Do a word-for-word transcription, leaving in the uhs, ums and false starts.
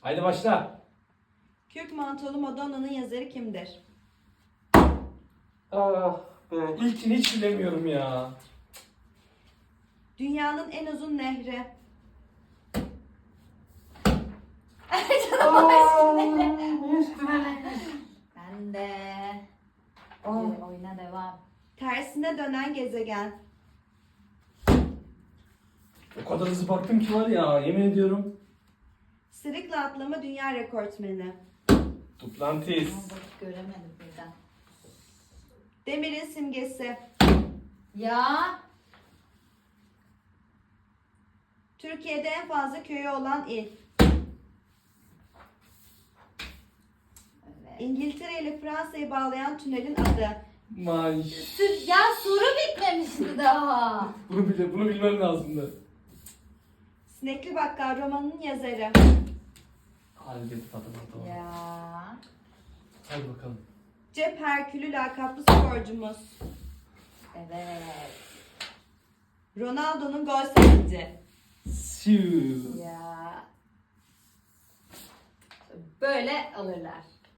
Haydi başla. Kürk Mantolu Madonna'nın yazarı kimdir? Ah be. İlkini hiç bilemiyorum ya. Dünyanın en uzun nehri. Aa, üstüne. Ben de. Aa. Hadi oyuna devam. Tersine dönen gezegen. O kadar hızlı baktım ki var ya, yemin ediyorum. Sırıkla atlama dünya rekortmeni. Duplantis. Ama bak göremedim birden. Demirin simgesi. Ya. Türkiye'de en fazla köyü olan il. Evet. İngiltere ile Fransa'yı bağlayan tünelin adı. May. Sır- Ya soru bitmemişti daha. Bunu bile, bunu bilmem lazımdı. Sinekli Bakkal romanının yazarı. Hadi git tadı tadı. Ya. Hadi bakalım. Cep Herkülü lakaplı sporcumuz. Evet. Ronaldo'nun gol sevinci. Siu. Ya. Böyle alırlar.